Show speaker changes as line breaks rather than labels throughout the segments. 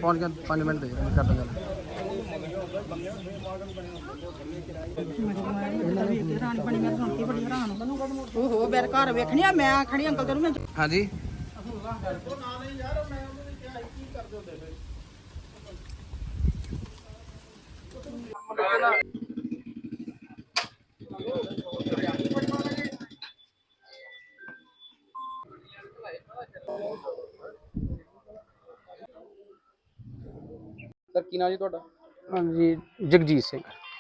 पहुंच गया 5 मिनट दे कर दूंगा
ओहो मेरे घर वेखनी मैं खड़ी अंकल तेनू मैं
हाँ जी
सर की नाम जी ਤੁਹਾਡਾ?
हाँ जी जगजीत सिंह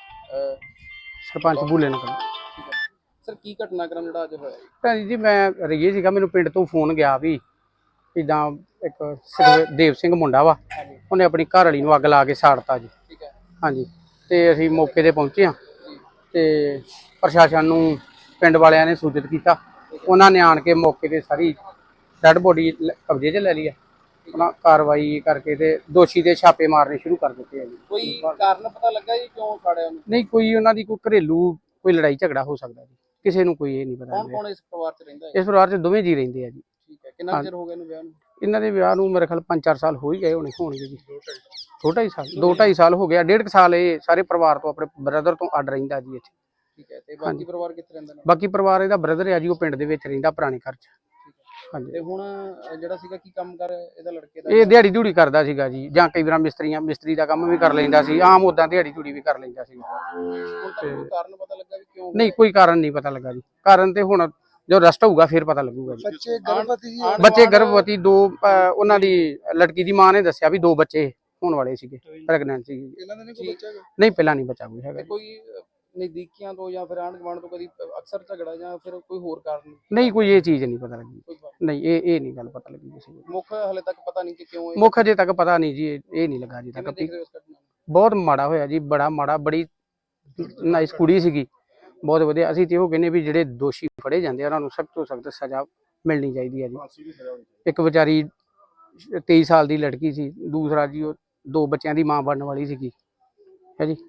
सरपंच बूले नगर।
ਠੀਕ ਹੈ ਸਰ ਕੀ ਘਟਨਾਕ੍ਰਮ ਜਿਹੜਾ ਅੱਜ ਹੋਇਆ ਜੀ?
ਭੈਣ ਜੀ ਮੈਂ ਰਹੀਏ ਸੀਗਾ ਮੈਨੂੰ ਪਿੰਡ ਤੋਂ ਫੋਨ ਗਿਆ ਵੀ ਇੱਦਾਂ ਇੱਕ ਸੁਖਦੇਵ ਸਿੰਘ ਮੁੰਡਾ ਵਾ ਉਹਨੇ ਆਪਣੀ ਘਰ ਵਾਲੀ ਨੂੰ ਅੱਗ ਲਾ ਕੇ ਸਾੜਤਾ ਜੀ।
ਠੀਕ ਹੈ
ਹਾਂਜੀ ਤੇ ਅਸੀਂ ਮੌਕੇ ਤੇ ਪਹੁੰਚੇ ਹਾਂ ਤੇ ਪ੍ਰਸ਼ਾਸਨ ਨੂੰ ਪਿੰਡ ਵਾਲਿਆਂ ਨੇ ਸੂਚਿਤ ਕੀਤਾ। ਉਹਨਾਂ ਨੇ ਆਣ ਕੇ ਮੌਕੇ ਤੇ ਸਾਰੀ ਡੈਡ ਬੋਡੀ ਕਬਜ਼ੇ 'ਚ ਲੈ ਲਈ ਹੈ। ਉਹਨਾਂ ਕਾਰਵਾਈ ਕਰਕੇ ਤੇ ਦੋਸ਼ੀ ਦੇ ਛਾਪੇ ਮਾਰਨੇ ਸ਼ੁਰੂ ਕਰ ਦਿੱਤੇ ਆ ਜੀ।
ਕੋਈ ਕਾਰਨ ਪਤਾ ਲੱਗਾ ਜੀ ਕਿਉਂ ਸਾੜਿਆ ਉਹਨੂੰ?
ਨਹੀਂ ਕੋਈ ਉਹਨਾਂ ਦੀ ਕੋਈ ਘਰੇਲੂ ਕੋਈ ਲੜਾਈ ਝਗੜਾ ਹੋ ਸਕਦਾ ਜੀ, ਕਿਸੇ ਨੂੰ ਕੋਈ ਇਹ ਨਹੀਂ ਪਤਾ।
ਕੌਣ ਕੌਣ ਇਸ ਪਰਿਵਾਰ 'ਚ ਰਹਿੰਦਾ ਹੈ?
ਇਸ ਪਰਿਵਾਰ 'ਚ ਦੋਵੇਂ ਜੀ ਰਹਿੰਦੇ ਆ ਜੀ।
ਠੀਕ ਹੈ ਕਿੰਨਾ ਚਿਰ ਹੋ ਗਿਆ ਇਹਨੂੰ ਵਿਆਹ ਨੂੰ?
ਇਹਨਾਂ ਦੇ ਵਿਆਹ ਨੂੰ ਮੇਰੇ ਖਿਆਲ 5-4 ਸਾਲ ਹੋ ਹੀ ਗਏ ਹੋਣਗੇ ਜੀ। 2-2.5 ਸਾਲ 2-2.5 ਸਾਲ ਹੋ ਗਿਆ। 1.5 ਸਾਲ ਇਹ ਸਾਰੇ ਪਰਿਵਾਰ ਤੋਂ ਆਪਣੇ ਬ੍ਰਦਰ ਤੋਂ ਅੱਡ ਰਹਿੰਦਾ ਜੀ ਇੱਥੇ।
ਠੀਕ ਹੈ ਤੇ ਬਾਕੀ ਪਰਿਵਾਰ ਕਿੱਥੇ ਰਹਿੰਦਾ ਨੇ?
ਬਾਕੀ ਪਰਿਵਾਰ ਇਹਦਾ ਬ੍ਰਦਰ ਆ ਜੀ, ਉਹ ਪਿੰਡ ਦੇ ਵਿੱਚ ਰਹਿੰਦਾ ਪੁਰਾਣੇ ਘਰ 'ਚ। ਹਾਂਜੀ
ਤੇ ਹੁਣ ਜਿਹੜਾ ਸੀਗਾ ਕੀ ਕੰਮ ਕਰ ਇਹਦਾ ਲੜਕੇ ਦਾ?
ਇਹ ਦਿਹਾੜੀ ਧੂੜੀ ਕਰਦਾ ਸੀਗਾ ਜੀ, ਜਾਂ ਕਈ ਵਾਰ ਮਿਸਤਰੀ ਦਾ ਕੰਮ ਵੀ ਕਰ ਲੈਂਦਾ ਸੀ, ਆਮ ਉਦਾਂ ਦਿਹਾੜੀ ਧੂੜੀ ਵੀ ਕਰ ਲੈਂਦਾ ਸੀ।
ਹੁਣ ਤੱਕ ਕੋਈ ਕਾਰਨ ਪਤਾ ਲੱਗਾ ਵੀ ਕਿਉਂ?
ਨਹੀਂ ਕੋਈ ਕਾਰਨ ਨਹੀਂ ਪਤਾ ਲੱਗਾ ਜੀ। ਕਾਰਨ ਤੇ ਹੁਣ ਜੋ ਰਸਟ ਹੋਊਗਾ ਫਿਰ ਪਤਾ ਲੱਗੂਗਾ ਜੀ। ਬੱਚੇ ਗਰਭਵਤੀ ਦੋ ਉਹਨਾਂ ਦੀ ਲੜਕੀ ਦੀ ਮਾਂ ਨੇ ਦੱਸਿਆ ਵੀ 2 ਬੱਚੇ ਹੋਣ ਵਾਲੇ ਸੀਗੇ, ਪ੍ਰੈਗਨੈਂਟ ਸੀ।
ਇਹਨਾਂ ਦਾ ਨਹੀਂ ਕੋਈ ਬੱਚਾ ਹੈਗਾ?
ਨਹੀਂ ਪਹਿਲਾਂ ਨਹੀਂ ਬੱਚਾ ਕੋਈ ਹੈਗਾ।
ਕੋਈ ਨਜ਼ਦੀਕੀਆਂ ਤੋਂ ਜਾਂ ਫਿਰ ਆਂਢ ਗੁਆਂਢ ਤੋਂ ਕਦੀ ਅਕਸਰ ਝਗੜਾ ਜਾਂ ਫਿਰ ਕੋਈ ਹੋਰ ਕਾਰਨ?
ਨਹੀਂ ਕੋਈ ਇਹ ਚੀਜ਼ ਨਹੀਂ ਪਤਾ ਲੱਗੀ।
ਕੋਈ
ਨਹੀਂ ਇਹ ਨਹੀਂ ਗੱਲ ਪਤਾ ਲੱਗੀ ਕਿਸੇ ਨੂੰ।
ਮੁੱਖ ਹਲੇ ਤੱਕ ਪਤਾ ਨਹੀਂ ਕਿ ਕਿਉਂ ਇਹ
ਮੁੱਖ ਅਜੇ ਤੱਕ ਪਤਾ ਨਹੀਂ ਜੀ, ਇਹ ਨਹੀਂ ਲੱਗਾ ਜੀ
ਕਿਵੇਂ
ਤੱਕ।
ਦੇਖ ਰਹੇ ਹੋ ਇਸ ਘਟਨਾ ਨੂੰ?
ਬਹੁਤ ਮਾੜਾ ਹੋਇਆ ਜੀ, ਬੜਾ ਮਾੜਾ। ਬੜੀ ਨਾਈਸ ਕੁੜੀ ਸੀਗੀ, ਬਹੁਤ ਵਧੀਆ। ਅਸੀਂ ਤੇ ਉਹ ਕਹਿੰਦੇ ਵੀ ਜਿਹੜੇ ਦੋਸ਼ੀ ਫੜੇ ਜਾਂਦੇ ਆ ਉਹਨਾਂ ਨੂੰ ਸਖਤ ਤੋਂ ਸਖਤ ਸਜ਼ਾ ਮਿਲਣੀ ਚਾਹੀਦੀ ਹੈ ਜੀ। ਇੱਕ ਵਿਚਾਰੀ 23 ਸਾਲ ਦੀ ਲੜਕੀ ਸੀ, ਦੂਸਰਾ ਜੀ ਉਹ 2 ਬੱਚਿਆਂ ਦੀ ਮਾਂ ਬਣਨ ਵਾਲੀ ਸੀਗੀ ਹੈ ਜੀ।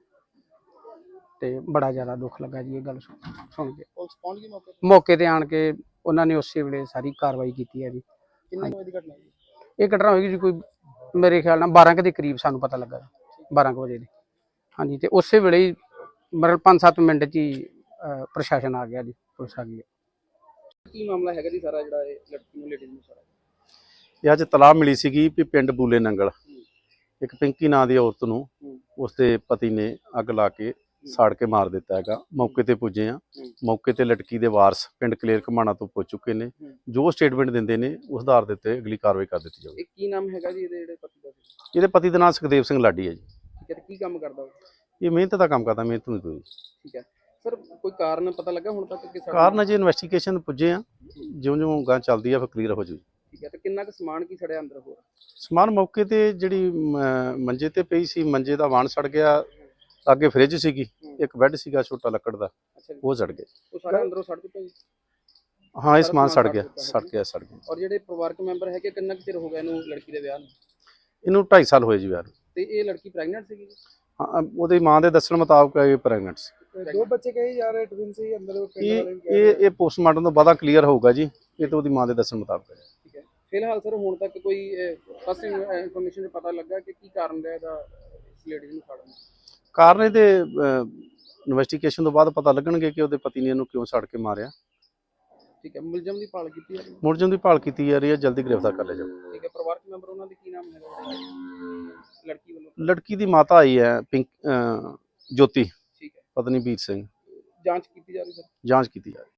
ਤੇ ਬੜਾ ਜ਼ਿਆਦਾ ਦੁੱਖ ਲੱਗਾ ਜੀ ਇਹ ਗੱਲ ਸੁਣ ਕੇ।
ਪੁਲਿਸ ਪਹੁੰਚ ਗਈ ਮੌਕੇ ਤੇ?
ਮੌਕੇ ਤੇ ਆਣ ਕੇ ਉਹਨਾਂ ਨੇ ਉਸੇ ਵੇਲੇ ਸਾਰੀ ਕਾਰਵਾਈ ਕੀਤੀ ਹੈ ਜੀ।
ਕਿੰਨੇ ਵਜੇ ਦੀ ਘਟਨਾ ਜੀ?
ਇਹ ਘਟਨਾ ਹੋਏਗੀ ਜੀ ਕੋਈ ਮੇਰੇ ਖਿਆਲ ਨਾਲ 12 ਕੁ ਦੇ ਕਰੀਬ ਸਾਨੂੰ ਪਤਾ ਲੱਗਾ, 12 ਕੁ ਵਜੇ ਦੇ। ਹਾਂਜੀ ਤੇ ਉਸੇ ਵੇਲੇ ਹੀ ਮਤਲਬ 5-7 ਮਿੰਟ 'ਚ ਹੀ ਪ੍ਰਸ਼ਾਸਨ ਆ ਗਿਆ ਜੀ, ਪੁਲਿਸ ਆ ਗਈ।
ਕੀ ਮਾਮਲਾ ਹੈਗਾ ਜੀ ਸਾਰਾ ਜਿਹੜਾ ਇਹ ਲੜਕੀ ਨੂੰ ਲੇਡੀਜ਼ ਨੂੰ ਸਾਰਾ?
ਇਹ ਅੱਜ ਤਲਾਹ ਮਿਲੀ ਸੀਗੀ ਵੀ ਪਿੰਡ ਬੂਲੇ ਨੰਗਲ ਇੱਕ ਪਿੰਕੀ ਨਾਂ ਦੀ ਔਰਤ ਨੂੰ ਉਸਦੇ ਪਤੀ ਨੇ ਅੱਗ ਲਾ ਕੇ ਸਾੜ ਕੇ ਮਾਰ ਦਿੱਤਾ ਹੈਗਾ। ਮੌਕੇ ਤੇ ਪੁੱਜੇ ਆ, ਮੌਕੇ ਤੇ ਲੜਕੀ ਦੇ ਵਾਰਸ ਪਿੰਡ ਕਲੇਰ ਘਮਾਣਾ ਤੋਂ ਪੁੱਜ ਚੁੱਕੇ ਨੇ। ਜੋ ਸਟੇਟਮੈਂਟ ਦਿੰਦੇ ਨੇ ਉਸ ਆਧਾਰ ਦੇ ਉੱਤੇ ਅਗਲੀ ਕਾਰਵਾਈ ਕਰ ਦਿੱਤੀ ਜਾਊਗੀ।
ਇਹ ਕੀ ਨਾਮ ਹੈਗਾ ਜੀ ਇਹਦੇ ਜਿਹੜੇ ਪਤੀ ਦਾ?
ਇਹਦੇ ਪਤੀ ਦਾ ਨਾਮ ਸੁਖਦੇਵ ਸਿੰਘ ਲਾਡੀ ਹੈ ਜੀ।
ਠੀਕ ਹੈ ਤੇ ਕੀ ਕੰਮ ਕਰਦਾ ਉਹ?
ਇਹ ਮਿਹਨਤ ਦਾ ਕੰਮ ਕਰਦਾ, ਮਿਹਨਤ ਮਜ਼ਦੂਰੀ।
ਠੀਕ ਹੈ ਸਰ ਕੋਈ ਕਾਰਨ ਪਤਾ ਲੱਗਾ ਹੁਣ ਤੱਕ ਕਿ
ਕਾਰਨ ਅਜੇ ਇਨਵੈਸਟੀਗੇਸ਼ਨ ਪੁੱਜੇ ਆ, ਜਿਉਂ-ਜਿਉਂ ਗਾਂ ਚੱਲਦੀ ਆ ਫਿਰ ਕਲੀਅਰ ਹੋ ਜੂ।
ਠੀਕ ਹੈ ਤੇ ਕਿੰਨਾ ਕੁ ਸਮਾਨ ਕੀ ਸੜਿਆ ਅੰਦਰ ਹੋਰ?
ਸਮਾਨ ਮੌਕੇ ਤੇ ਜਿਹੜੀ ਮੰਜੇ ਤੇ ਪਈ ਸੀ, ਮੰਜੇ ਦਾ ਵਾਣ ਸੜ ਗਿਆ। ਅੱਗੇ ਫ੍ਰਿਜ ਸੀਗੀ, ਇੱਕ ਬੈੱਡ ਸੀਗਾ ਛੋਟਾ ਲੱਕੜ ਦਾ,
ਅੱਛਾ ਜੀ
ਉਹ ਸੜ ਗਏ।
ਉਹ ਸਾਰਾ ਅੰਦਰੋਂ ਸੜ ਦਿੱਤਾ ਜੀ?
ਹਾਂ ਇਹ ਸਮਾਨ ਸੜ ਗਿਆ।
ਔਰ ਜਿਹੜੇ ਪਰਿਵਾਰਕ ਮੈਂਬਰ ਹੈਗੇ ਕਿੰਨਾ ਕੁ ਚਿਰ ਹੋ ਗਿਆ ਇਹਨੂੰ ਲੜਕੀ ਦੇ ਵਿਆਹ ਨੂੰ?
ਇਹਨੂੰ 2.5 ਸਾਲ ਹੋਏ ਜੀ ਵਿਆਹ ਨੂੰ।
ਤੇ ਇਹ ਲੜਕੀ ਪ੍ਰੈਗਨੈਂਟ ਸੀਗੀ?
ਹਾਂ ਉਹਦੀ ਮਾਂ ਦੇ ਦੱਸਣ ਮੁਤਾਬਕ ਇਹ ਪ੍ਰੈਗਨੈਂਟ ਸੀ।
2 ਬੱਚੇ ਕਹੇ ਜਾ ਰਹੇ ਟਵਿਨ ਸੀ ਅੰਦਰ?
ਇਹ ਪੋਸਟਮਾਰਟਮ ਤੋਂ ਬਾਅਦ ਕਲੀਅਰ ਹੋਊਗਾ ਜੀ। ਇਹ ਤਾਂ ਉਹਦੀ ਮਾਂ ਦੇ ਦੱਸਣ ਮੁਤਾਬਕ ਹੈ।
ਠੀਕ ਹੈ ਫਿਲਹਾਲ ਸਰ ਹੁਣ ਤੱਕ ਕੋਈ ਫਸਟ ਇਨਫੋਰਮੇਸ਼ਨ ਪਤਾ ਲੱਗਾ ਕਿ ਕੀ ਕਾਰਨ ਰਿਹਾ ਇਹਦਾ ਇਸ ਲੇਡੀ ਨੂੰ ਸਾੜਨ ਦਾ?
ਕਾਰਨ ਇਹਦੇ ਇਨਵੈਸਟੀਗੇਸ਼ਨ ਤੋਂ ਬਾਅਦ ਪਤਾ ਲੱਗਣਗੇ ਕਿ ਉਹਦੇ ਪਤੀ ਨੇ ਇਹਨੂੰ ਕਿਉਂ ਸੜ ਕੇ ਮਾਰਿਆ।
ਠੀਕ ਹੈ ਮੁਲਜ਼ਮ ਦੀ ਭਾਲ ਕੀਤੀ ਜਾ ਰਹੀ ਹੈ?
ਮੁਲਜ਼ਮ ਦੀ ਭਾਲ ਕੀਤੀ ਜਾ ਰਹੀ ਹੈ, ਜਲਦੀ ਗ੍ਰਿਫਤਾਰ ਕਰ ਲਿਆ ਜਾਊਗਾ।
ਠੀਕ ਹੈ ਪਰਿਵਾਰਕ ਮੈਂਬਰ ਉਹਨਾਂ ਦੇ ਕੀ ਨਾਮ ਹੈਗਾ ਲੜਕੀ ਵੱਲੋਂ?
ਲੜਕੀ ਦੀ ਮਾਤਾ ਆਈ ਹੈ ਜੋਤੀ
ਠੀਕ ਹੈ
ਪਤਨੀ ਵੀਰ ਸਿੰਘ।
ਜਾਂਚ ਕੀਤੀ ਜਾ ਰਹੀ ਸਰ?
ਜਾਂਚ ਕੀਤੀ ਜਾ ਰਹੀ ਹੈ।